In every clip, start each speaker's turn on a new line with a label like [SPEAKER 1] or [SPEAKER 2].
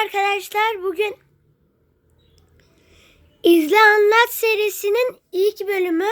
[SPEAKER 1] arkadaşlar, bugün İzle Anlat serisinin ilk bölümü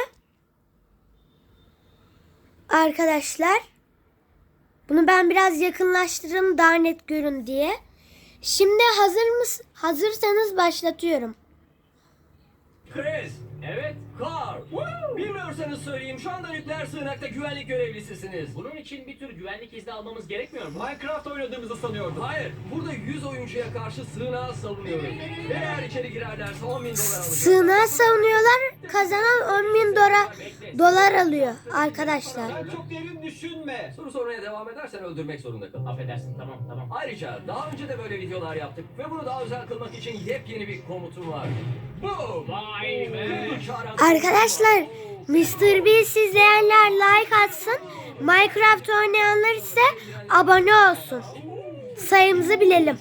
[SPEAKER 1] arkadaşlar. Bunu ben biraz yakınlaştırırım daha net görün diye. Şimdi hazırsanız başlatıyorum.
[SPEAKER 2] Chris,
[SPEAKER 3] Evet.
[SPEAKER 2] Carl. Bilmiyorsanız söyleyeyim, şu anda nükleer sığınakta güvenlik görevlisisiniz.
[SPEAKER 3] Bunun için bir tür güvenlik izni almamız gerekmiyor mu?
[SPEAKER 2] Minecraft oynadığımızı sanıyordum. Hayır, burada 100 oyuncuya karşı sığınağı savunuyorum. Ve eğer içeri girerlerse 10.000 dolar alacağım.
[SPEAKER 1] Sığınağı savunuyorlar, kazanan 10.000 dolar alıyor arkadaşlar.
[SPEAKER 2] Sen çok derin düşünme. Soru sormaya devam edersen öldürmek zorunda kal.
[SPEAKER 3] Affedersin, tamam.
[SPEAKER 2] Ayrıca daha önce de böyle videolar yaptık ve bunu daha özel kılmak için yepyeni bir komutum var. Boom!
[SPEAKER 3] Vay be!
[SPEAKER 1] Arkadaşlar, Mr. Beast izleyenler like atsın. Minecraft oynayanlar ise abone olsun. Sayımızı bilelim.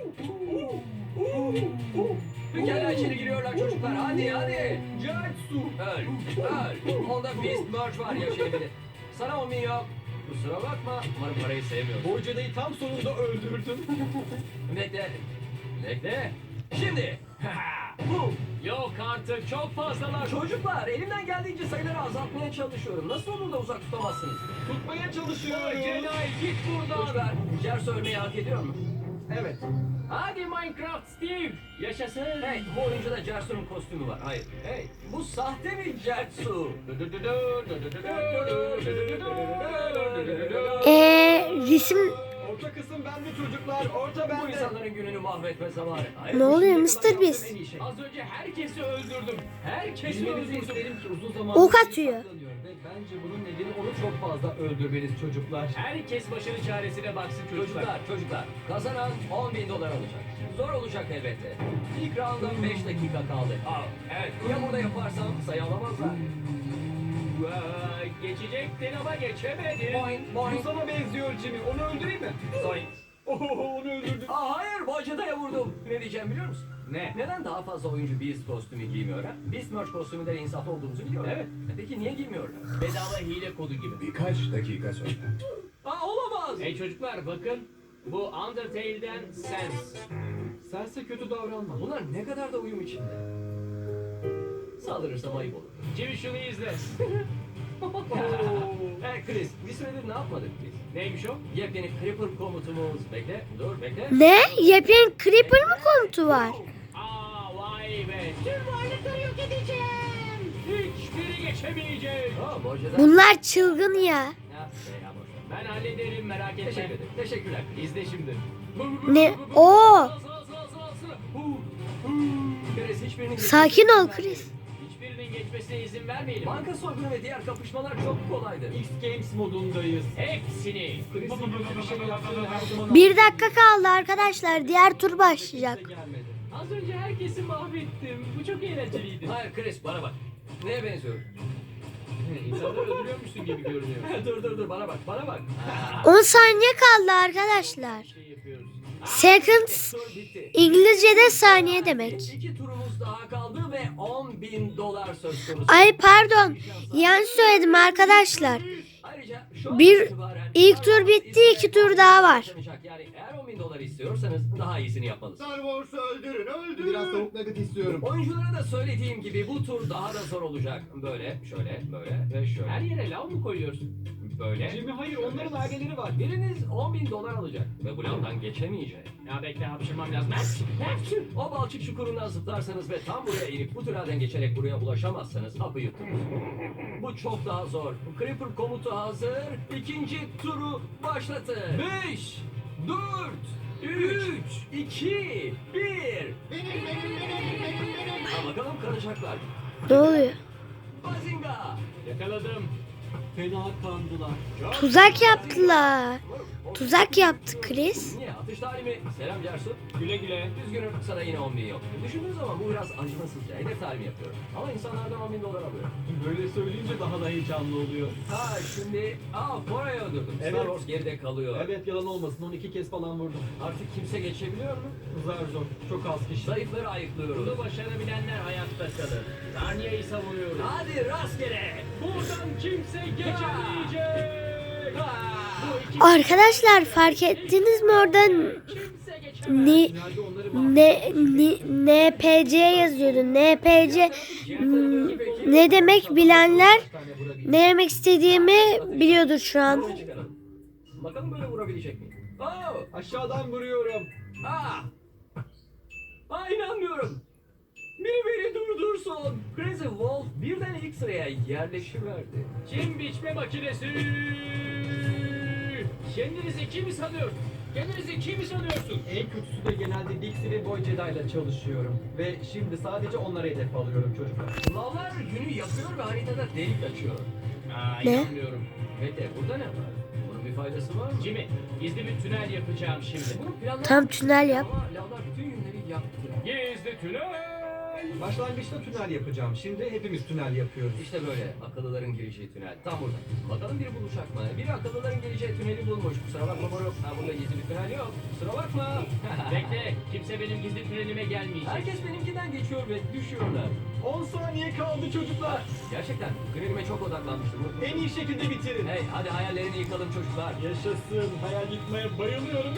[SPEAKER 2] Pekala, içeri giriyorlar çocuklar. Hadi. Jetsu. Öl. Onda Beast Merge var, yaşayabilir. Sana 10.000 yok. Kusura bakma. Umarım parayı sevmiyorsun.
[SPEAKER 4] Bu cadıyı tam sonunda öldürdüm.
[SPEAKER 2] Bekle. Şimdi. Boom.
[SPEAKER 3] Yok artık, çok fazlalar.
[SPEAKER 2] Çocuklar, elimden geldiğince sayıları azaltmaya çalışıyorum. Nasıl olur da uzak tutamazsınız?
[SPEAKER 4] Tutmaya çalışıyorum.
[SPEAKER 3] Celal, git buradan.
[SPEAKER 2] Çocuklar, Jers ölmeyi hak ediyor mu?
[SPEAKER 4] Evet.
[SPEAKER 3] Hadi Minecraft Steve. Yaşasın.
[SPEAKER 2] Hey, bu oyuncuda Jersu'nun kostümü var. Hayır. Hey, bu sahte bir Jersu.
[SPEAKER 1] Resim
[SPEAKER 4] Orta kısım bende çocuklar. Orta
[SPEAKER 2] Bu
[SPEAKER 4] bende.
[SPEAKER 2] insanların gününü mahvetme zamanı. Hayır,
[SPEAKER 1] Ne oluyor
[SPEAKER 2] bu şimdiye
[SPEAKER 1] Mr.
[SPEAKER 2] kadar
[SPEAKER 1] Beast?
[SPEAKER 2] yaptığım en iyi şey.
[SPEAKER 3] Az önce herkesi öldürdüm. Herkesi
[SPEAKER 4] Bilmenizi
[SPEAKER 3] öldürdüm.
[SPEAKER 4] isterim ki uzun zaman
[SPEAKER 1] Ok atıyor.
[SPEAKER 4] Ve bence bunun nedeni onu çok fazla öldürmeniz çocuklar.
[SPEAKER 3] Herkes başının çaresine baksın çocuklar.
[SPEAKER 2] Çocuklar, kazanan 10.000 dolar alacak. Zor olacak elbette. İlk rounda 5 dakika kaldı. Evet, ya burada yaparsam sayı alamazlar.
[SPEAKER 3] Geçecektin ama geçemedin.
[SPEAKER 4] Bu sana benziyor Jimmy. Onu öldüreyim mi?
[SPEAKER 2] Sayın.
[SPEAKER 4] Onu öldürdüm.
[SPEAKER 2] Hayır, bacadaya vurdum. Ne diyeceğim biliyor musun?
[SPEAKER 4] Ne?
[SPEAKER 2] Neden daha fazla oyuncu Beast kostümü giymiyor ha? Beast merch kostümünden insaflı olduğumuzu biliyorum.
[SPEAKER 4] Evet.
[SPEAKER 2] Peki niye giymiyorlar?
[SPEAKER 3] Bedava hile kodu gibi.
[SPEAKER 5] Birkaç dakika sonra.
[SPEAKER 2] Olamaz.
[SPEAKER 3] Hey çocuklar bakın. Bu Undertale'den Sans.
[SPEAKER 4] Sense kötü davranma.
[SPEAKER 2] Bunlar ne kadar da uyum içinde. Saldırırsam ayıp olur.
[SPEAKER 3] Jimmy şunu izle.
[SPEAKER 2] Hey Chris, bir süredir ne yapmadık biz?
[SPEAKER 3] Neymiş o?
[SPEAKER 2] Yepyeni Creeper komutumuz. Bekle, bekle.
[SPEAKER 1] ne? Yepyeni Creeper mı komutu var?
[SPEAKER 3] Vay be. Tüm varlıkları yok edeceğim. Hiçbiri geçemeyecek.
[SPEAKER 2] Bacada.
[SPEAKER 1] Bunlar çılgın ya.
[SPEAKER 2] Ya, boş ver.
[SPEAKER 3] Ben hallederim, merak etme.
[SPEAKER 2] Teşekkür ederim. Teşekkürler.
[SPEAKER 3] İzle şimdi.
[SPEAKER 1] Ne? Oo!
[SPEAKER 2] Chris, hiçbirinin
[SPEAKER 1] Sakin ol Chris.
[SPEAKER 3] Hiçbirinin geçmesine izin vermeyelim.
[SPEAKER 2] Banka soygunu ve diğer kapışmalar çok kolaydı.
[SPEAKER 4] X Games modundayız.
[SPEAKER 3] Hepsini.
[SPEAKER 4] Chris'in kötü bir şey yaptığını her zaman...
[SPEAKER 1] 1 dakika kaldı arkadaşlar. Diğer tur başlayacak.
[SPEAKER 4] Gelmedi.
[SPEAKER 3] Az önce herkesi mahvettim. Bu çok eğlenceliydi.
[SPEAKER 2] Hayır Chris, bana bak. Neye benziyor?
[SPEAKER 3] İnsanları öldürüyormuşsun gibi görünüyor.
[SPEAKER 2] dur, bana bak.
[SPEAKER 1] 10 saniye kaldı arkadaşlar.
[SPEAKER 3] Şey yapıyoruz.
[SPEAKER 1] Seconds
[SPEAKER 2] Tur bitti.
[SPEAKER 1] İngilizce'de saniye demek.
[SPEAKER 2] 2 turumuz daha kaldı ve 10.000 dolar söz konusu.
[SPEAKER 1] Ay pardon. Yanlış söyledim arkadaşlar.
[SPEAKER 2] Ayrıca şu an
[SPEAKER 1] Bir
[SPEAKER 2] itibaren
[SPEAKER 1] ilk tur bitti, 2 tur daha var.
[SPEAKER 2] Yani eğer 10.000 dolar istiyorsanız daha iyisini yapmalısınız.
[SPEAKER 5] Star Wars'u öldürün.
[SPEAKER 4] Biraz tavuk nugget istiyorum.
[SPEAKER 2] Oyunculara da söylediğim gibi bu tur daha da zor olacak. Böyle, şöyle ve şöyle.
[SPEAKER 3] Her yere lav mı koyuyorsun?
[SPEAKER 2] Böyle.
[SPEAKER 4] Jimmy hayır onların aileleri var.
[SPEAKER 2] Biriniz 10.000 dolar alacak ve bu lavdan geçemeyecek.
[SPEAKER 3] Ya bekle, hapşırmam lazım.
[SPEAKER 2] O balçık çukurundan zıplarsanız ve tam buraya inip bu tünelden geçerek buraya ulaşamazsanız hapı yuttunuz. Bu çok daha zor. Creeper komutu hazır. İkinci turu başlatın. 5, 4, 3, 2, 1. Bakalım kalacaklar.
[SPEAKER 1] Ne oluyor?
[SPEAKER 2] Bazinga.
[SPEAKER 3] Yakaladım.
[SPEAKER 4] Fena kandılar.
[SPEAKER 1] Tuzak yaptılar. Tuzak yaptı Chris.
[SPEAKER 2] Niye? Atış talimi. Selam Cersu.
[SPEAKER 3] Güle güle.
[SPEAKER 2] Üzgünüm, sana yine 10.000 yok. Düşündüğün zaman bu biraz acımasızca. Hedef talimi yapıyorum. Ama insanlardan 10.000 dolar alıyorum.
[SPEAKER 4] Böyle söyleyince daha da heyecanlı oluyor.
[SPEAKER 2] Şimdi Fora'yı öldürdüm.
[SPEAKER 4] Evet.
[SPEAKER 2] Star Wars geride kalıyor.
[SPEAKER 4] Evet yalan olmasın 12 kez falan vurdum.
[SPEAKER 2] Artık kimse geçebiliyor mu?
[SPEAKER 4] Zar zor. Çok az kişi.
[SPEAKER 2] Zayıfları ayıklıyoruz.
[SPEAKER 3] Bunu başarabilenler hayatta kalır. Narnia'yı savunuyoruz.
[SPEAKER 2] Hadi rastgele.
[SPEAKER 3] Buradan kimse geçemeyecek.
[SPEAKER 2] Ha!
[SPEAKER 3] Bu iki
[SPEAKER 1] Arkadaşlar fark ettiniz mi oradan
[SPEAKER 3] kimse geçemeyecek.
[SPEAKER 1] Ni,
[SPEAKER 3] Tünelde onları
[SPEAKER 1] NPC yazıyordu. NPC ne demek bilenler ne demek istediğimi biliyordur şu an.
[SPEAKER 2] Buraya çıkaralım. Bakalım böyle vurabilecek miyim?
[SPEAKER 4] Aşağıdan vuruyorum.
[SPEAKER 2] İnanmıyorum. Biri beni durdursun. Crazy Wolf birden ilk sıraya yerleşiverdi.
[SPEAKER 3] Kim biçme makinesi? Kendinizi kim sanıyorsun? Kendinizi kim sanıyorsun?
[SPEAKER 4] En kötüsü de genelde Dixie ve Boy Jedi ile çalışıyorum. Ve şimdi sadece onlara hedef alıyorum çocuklar.
[SPEAKER 2] Lavlar günü yakıyor ve haritada delik açıyor.
[SPEAKER 1] Ne?
[SPEAKER 3] İnanmıyorum.
[SPEAKER 2] Bekle burada ne var? Bunun bir faydası var mı?
[SPEAKER 3] Jimmy, gizli bir tünel yapacağım şimdi.
[SPEAKER 2] Bunu planlamak
[SPEAKER 1] Tam tünel yap.
[SPEAKER 2] ama lavlar bütün yünleri yaktı.
[SPEAKER 3] Gizli tünel!
[SPEAKER 4] Başlangıçta tünel yapacağım. Şimdi hepimiz tünel yapıyoruz.
[SPEAKER 2] İşte böyle akıllıların gireceği tünel. Tam burada. Bakalım biri bulacak mı? Biri akıllıların gireceği tüneli bulmuş. Kusura bakma moruk. Burada gizli bir tünel yok. Kusura bakma.
[SPEAKER 3] Bekle, kimse benim gizli tünelime gelmeyecek.
[SPEAKER 2] Herkes benimkinden geçiyor ve düşüyorlar.
[SPEAKER 4] 10 saniye kaldı çocuklar.
[SPEAKER 2] Gerçekten gridime çok odaklanmıştım.
[SPEAKER 4] En iyi şekilde bitirin.
[SPEAKER 2] Hey hadi hayallerini yıkalım çocuklar.
[SPEAKER 4] Yaşasın. Hayal yıkmaya bayılıyorum.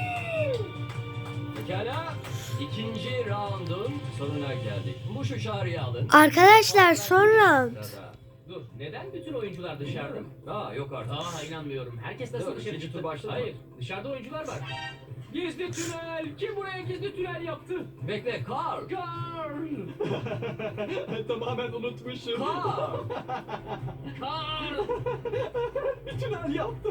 [SPEAKER 2] Pekala. İkinci roundun sonuna geldik. Bu şu çağrıyı alın.
[SPEAKER 1] Arkadaşlar son round.
[SPEAKER 2] Sırada.
[SPEAKER 3] Dur, neden bütün oyuncular dışarıda?
[SPEAKER 2] Yok artık.
[SPEAKER 3] İnanmıyorum. Herkes nasıl
[SPEAKER 2] Dur,
[SPEAKER 3] dışarı
[SPEAKER 2] ikinci
[SPEAKER 3] çıktı?
[SPEAKER 2] tur başladı mı?
[SPEAKER 3] Hayır, dışarıda oyuncular var. Gizli tünel! Kim buraya gizli tünel yaptı?
[SPEAKER 2] Bekle Carl.
[SPEAKER 3] Carl!
[SPEAKER 4] Tamamen unutmuşum.
[SPEAKER 2] Carl.
[SPEAKER 3] Carl!
[SPEAKER 4] Bir tünel yaptım.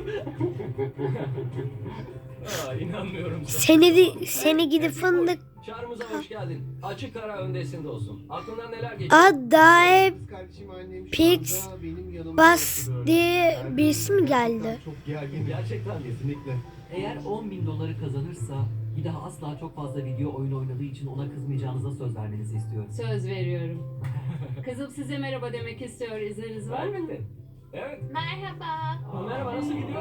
[SPEAKER 2] İnanmıyorum sana.
[SPEAKER 1] Seni gidi fındık.
[SPEAKER 2] Çağrımıza hoş geldin. Açık ara öndesin dostum. Aklından neler geçiyor?
[SPEAKER 1] Adae
[SPEAKER 5] Kardeşim annem şu
[SPEAKER 1] Pix
[SPEAKER 5] anda benim yanımda
[SPEAKER 1] Bas
[SPEAKER 5] oturuyor.
[SPEAKER 1] diye
[SPEAKER 5] Ben
[SPEAKER 1] birisi mi geldi?
[SPEAKER 5] Çok gergin.
[SPEAKER 2] Gerçekten mi?
[SPEAKER 5] Kesinlikle.
[SPEAKER 6] Eğer 10.000 doları kazanırsa bir daha asla çok fazla video oyun oynadığı için ona kızmayacağınıza söz vermenizi istiyorum.
[SPEAKER 7] Söz veriyorum. Kızım size merhaba demek istiyor. İzniniz var mı?
[SPEAKER 2] Elbette. Evet.
[SPEAKER 7] Merhaba.
[SPEAKER 2] Merhaba nasıl gidiyor?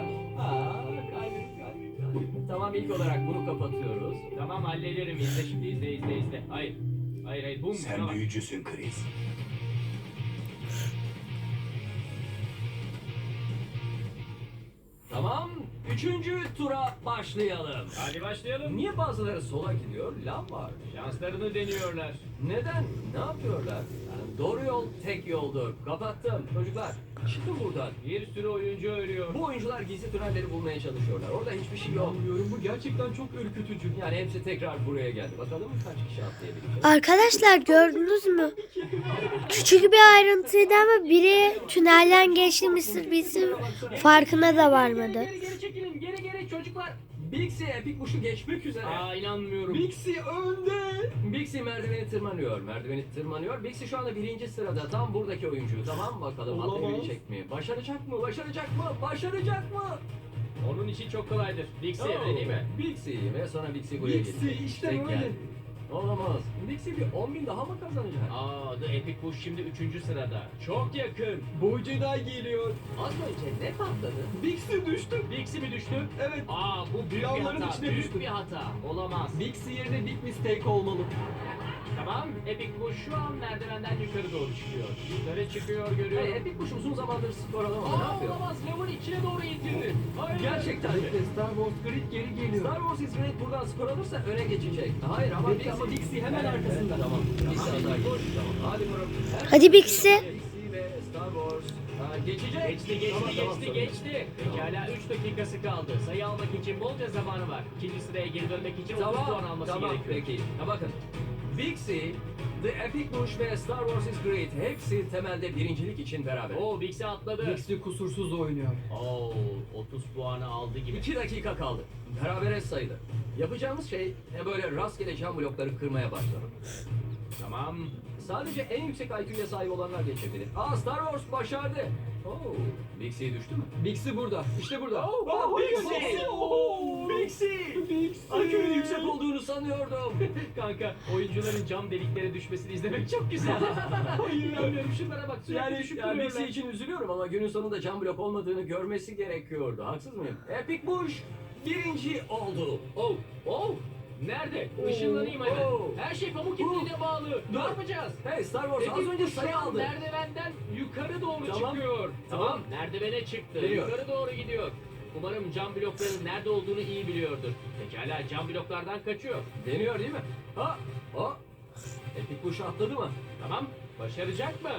[SPEAKER 2] Kalbim. Tamam ilk olarak bunu kapatıyoruz.
[SPEAKER 3] Tamam hallederim. İzle şimdi, izle. Hayır. Hayır, bum.
[SPEAKER 5] Sen
[SPEAKER 3] Tamam.
[SPEAKER 5] büyücüsün Chris.
[SPEAKER 2] Tamam. Üçüncü tura başlayalım.
[SPEAKER 3] Hadi başlayalım.
[SPEAKER 2] Niye bazıları sola gidiyor? Lav var.
[SPEAKER 3] Şanslarını deniyorlar.
[SPEAKER 2] Neden? Ne yapıyorlar? Doğru yol tek yoldur. Kapattım. Çocuklar çıkın buradan.
[SPEAKER 3] Bir sürü oyuncu ölüyor.
[SPEAKER 2] Bu oyuncular gizli tünelleri bulmaya çalışıyorlar. Orada hiçbir şey yok.
[SPEAKER 4] Anlıyorum. Bu gerçekten çok ürkütücü.
[SPEAKER 2] Yani hepsi tekrar buraya geldi. Bakalım kaç kişi atlayabilecek.
[SPEAKER 1] Arkadaşlar gördünüz mü? Küçük bir ayrıntıydı ama biri tünelden geçti Mr. Beast'in farkına da varmadı.
[SPEAKER 3] Geri çekilin. Geri çocuklar.
[SPEAKER 2] Bixie Epic Kuş'u geçmek üzere.
[SPEAKER 3] İnanmıyorum.
[SPEAKER 4] Bixie önde.
[SPEAKER 2] Bixie merdiveni tırmanıyor. Bixie şu anda birinci sırada. Tam buradaki oyuncu. Tamam bakalım
[SPEAKER 4] Olamaz.
[SPEAKER 2] atlayabilecek mi? Başaracak mı? Başaracak mı?
[SPEAKER 3] Onun için çok kolaydır. Dixie öyle değil mi?
[SPEAKER 2] Bixie ve sonra Bixie buraya
[SPEAKER 4] Bixie,
[SPEAKER 2] gelecek.
[SPEAKER 4] işte
[SPEAKER 2] Tek
[SPEAKER 4] böyle.
[SPEAKER 2] geldi. Olamaz. Bixie bir 10.000 daha mı kazanacak?
[SPEAKER 3] The Epic Push şimdi 3. sırada. Çok yakın.
[SPEAKER 4] Boy Jedi geliyor.
[SPEAKER 2] Az önce ne patladı?
[SPEAKER 4] Bixie düştü.
[SPEAKER 3] Dixie mi düştü?
[SPEAKER 4] Evet.
[SPEAKER 3] Bu büyük bir
[SPEAKER 4] Lavların
[SPEAKER 3] hata.
[SPEAKER 4] içine
[SPEAKER 3] Büyük
[SPEAKER 4] düştü.
[SPEAKER 3] bir hata. Olamaz.
[SPEAKER 4] Bixie yerine Big Mistake olmalı.
[SPEAKER 3] Tamam. Epic Push şu an merdivenden yukarı doğru çıkıyor. Yukarı çıkıyor görüyorum.
[SPEAKER 2] Hey, Epic Kuş uzun zamandır skor alamadı. Ne yapıyor?
[SPEAKER 3] Olamaz. Lavın içine doğru itildi. Hayır.
[SPEAKER 2] Gerçekten mi?
[SPEAKER 4] Star Wars Grid geri geliyor.
[SPEAKER 2] Star Wars İsmet buradan skor alırsa öne geçecek. Hayır ama
[SPEAKER 4] Peki ama Bixie hemen arkasında.
[SPEAKER 2] Tamam. Bixie hata geçti. Tamam. Hadi Murat.
[SPEAKER 1] Hadi Bixie.
[SPEAKER 2] Bixie ve Star Wars. Geçecek.
[SPEAKER 3] Geçti. Pekala 3 dakikası kaldı. Sayı almak için bolca zamanı var. İkinci sıraya geri dönmek için 30 puan
[SPEAKER 2] Tamam.
[SPEAKER 3] alması
[SPEAKER 2] Tamam
[SPEAKER 3] gerekiyor.
[SPEAKER 2] peki. Bakın. Bixie, The Epic Bush ve Star Wars is Great hepsi temelde birincilik için beraber.
[SPEAKER 3] Bixie atladı.
[SPEAKER 4] Bixie kusursuz oynuyor.
[SPEAKER 3] 30 puanı aldı gibi.
[SPEAKER 2] 2 dakika kaldı. Berabere sayılır. Yapacağımız şey böyle rastgele cam blokları kırmaya başlamak.
[SPEAKER 3] Tamam.
[SPEAKER 2] Sadece en yüksek IQ'ya sahip olanlar geçebilir. Star Wars başardı. Bixie düştü mü?
[SPEAKER 4] Bixie burada. İşte burada.
[SPEAKER 2] Bixie! IQ'nun yüksek olduğunu sanıyordum.
[SPEAKER 3] Kanka oyuncuların cam deliklere düşmesini izlemek çok güzel. İnanmıyorum şunlara bak sürekli düşüp
[SPEAKER 2] Yani
[SPEAKER 3] duruyorlar.
[SPEAKER 2] Bixie için üzülüyorum ama günün sonunda cam blok olmadığını görmesi gerekiyordu. Haksız mıyım? Epic Bush birinci oldu.
[SPEAKER 3] Nerede? Işınlanayım hemen.
[SPEAKER 2] Oh.
[SPEAKER 3] Her şey pamuk ipliğine bağlı. Ne yapacağız?
[SPEAKER 2] Hey Star Wars az
[SPEAKER 3] Epic
[SPEAKER 2] önce
[SPEAKER 3] Push şu
[SPEAKER 2] sayı
[SPEAKER 3] an
[SPEAKER 2] aldı.
[SPEAKER 3] merdivenden yukarı doğru
[SPEAKER 2] Tamam.
[SPEAKER 3] çıkıyor.
[SPEAKER 2] Tamam.
[SPEAKER 3] Merdivene çıktı.
[SPEAKER 2] Geliyor.
[SPEAKER 3] Yukarı doğru gidiyor. Umarım cam blokların nerede olduğunu iyi biliyordur. Pekala, cam bloklardan kaçıyor.
[SPEAKER 2] Deniyor değil mi? Ha? O. Epic Push atladı mı?
[SPEAKER 3] Tamam, başaracak mı?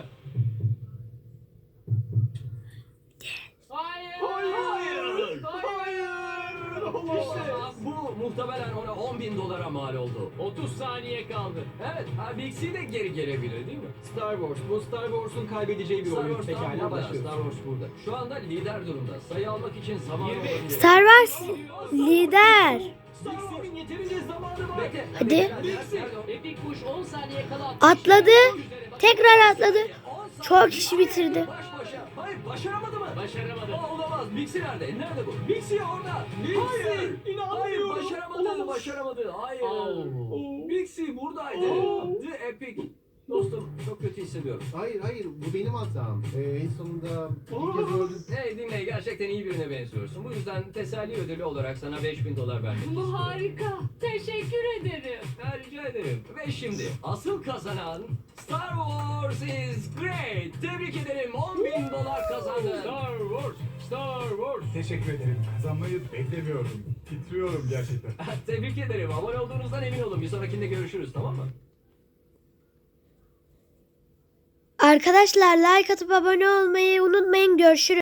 [SPEAKER 3] Hayır!
[SPEAKER 2] Hayır!
[SPEAKER 3] Hayır!
[SPEAKER 2] İşte bu muhtemelen ona 10.000 dolara mal oldu.
[SPEAKER 3] 30 saniye kaldı.
[SPEAKER 2] Evet, Bixi de geri gelebilir değil mi?
[SPEAKER 4] Star Wars. Bu Star Wars'un kaybedeceği bir
[SPEAKER 2] Star
[SPEAKER 4] oyun.
[SPEAKER 2] Wars tam
[SPEAKER 4] Pekala
[SPEAKER 2] burada.
[SPEAKER 4] başlıyoruz.
[SPEAKER 2] Star Wars burada. Şu anda lider durumda. Sayı almak için zaman
[SPEAKER 3] 20.
[SPEAKER 2] olabilir.
[SPEAKER 1] Star Wars lider.
[SPEAKER 2] Bixi'nin yeterince zamanı var. Bekle.
[SPEAKER 1] Hadi.
[SPEAKER 2] Nerede o?
[SPEAKER 3] Epic Push 10 saniye kala
[SPEAKER 1] Atladı. Tekrar atladı.
[SPEAKER 2] 10
[SPEAKER 1] Çok
[SPEAKER 2] saniye.
[SPEAKER 1] kişi bitirdi.
[SPEAKER 2] Baş başa. Hayır, başaramadı mı?
[SPEAKER 3] Başaramadı.
[SPEAKER 2] Olamaz. Bixi nerede? Nerede bu? Bixi orada. Hayır. Hayır, başaramadı. Başaramadı. Hayır.
[SPEAKER 3] Oh.
[SPEAKER 2] Bixi buradaydı. The Epic. Dostum, çok kötü hissediyorum.
[SPEAKER 5] Hayır, bu benim hatam. En sonunda bir kez öldüm.
[SPEAKER 2] Hey dinle, gerçekten iyi birine benziyorsun. Bu yüzden teselli ödülü olarak sana 5.000 dolar vermek
[SPEAKER 7] Bu
[SPEAKER 2] istiyorum.
[SPEAKER 7] harika. Teşekkür ederim.
[SPEAKER 2] Ha, rica ederim. Ve şimdi asıl kazanan Star Wars is great. Tebrik ederim. 10.000 dolar kazandın.
[SPEAKER 3] Star Wars, Star Wars.
[SPEAKER 5] Teşekkür ederim. Kazanmayı beklemiyordum. Titriyorum gerçekten.
[SPEAKER 2] Tebrik ederim. Abone olduğunuzdan emin olun. Bir sonrakinde görüşürüz, tamam mı?
[SPEAKER 1] Arkadaşlar like atıp abone olmayı unutmayın. Görüşürüz.